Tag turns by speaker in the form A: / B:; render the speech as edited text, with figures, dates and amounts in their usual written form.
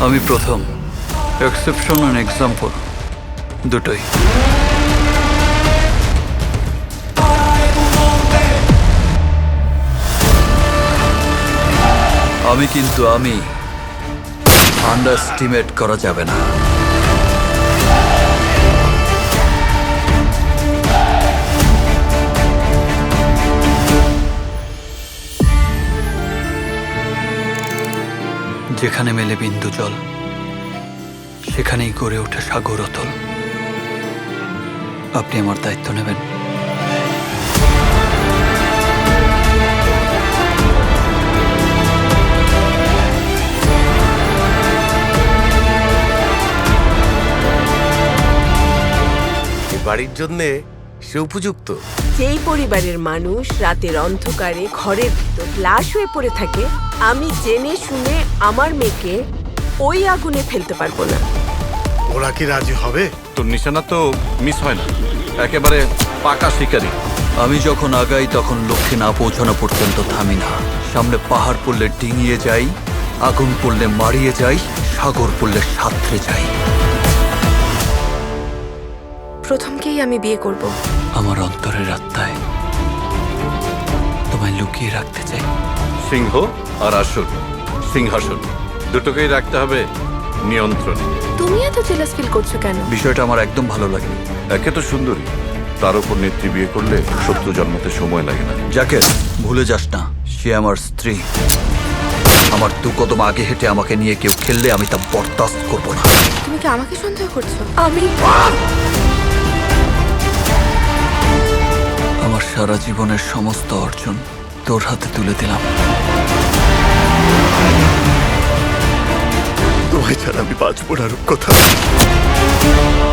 A: আমি প্রথম, exception and example দুটোই। কিন্তু আমি আন্ডারস্টিমেট করা যাবে না। যেখানে মেলে বিন্দু জল, সেখানেই গড়ে ওঠে সাগর অতল। আপনি আমার দায়িত্ব নেবেন?
B: বাড়ির জন্য সে উপযুক্ত।
C: যেই পরিবারের মানুষ রাতের অন্ধকারে ঘরের ভিতর লাশ হয়ে পড়ে থাকে, আমি জেনে শুনে আমার মেয়েকে ওই আগুনে ফেলতে পারবো না।
B: ওরা কি রাজি হবে?
D: তোর নিশানা তো মিস হয় না, একেবারে পাকা শিকারি।
A: আমি যখন আগাই তখন লক্ষ্যে না পৌঁছানো পর্যন্ত থামি না। সামনে পাহাড় পড়লে ডিঙিয়ে যাই, আগুন পড়লে মারিয়ে যাই, সাগর পড়লে সাঁতরে যাই।
E: প্রথমকেই আমি বিয়ে করব।
A: আমার অন্তরের আত্মায় তোমায় লুকিয়ে রাখতে চাই।
D: সিংহ আর আসন, সিংহাসন দুটোকেই রাখতে হবে নিয়ন্ত্রণে।
E: তুমি এত জেলাস ফিল করছো কেন?
A: বিষয়টা আমার একদম ভালো লাগেনি।
D: একে তো সুন্দরী, তার উপর নেত্রী বিয়ে করলে শত্রু জন্মতে সময় লাগে না।
A: যাকে ভুলে যাস না, সে আমার স্ত্রী। আমার দু কদম আগে হেঁটে আমাকে নিয়ে কেউ খেললে আমি তা বরদাস্ত করবো না।
E: তুমি কি আমাকে সন্দেহ করছো?
A: আমার সারা জীবনের সমস্ত অর্জন তোর হাতে তুলে দিলাম।
B: তোমায় ছাড়া আমি বাঁচবো না রূপকথা।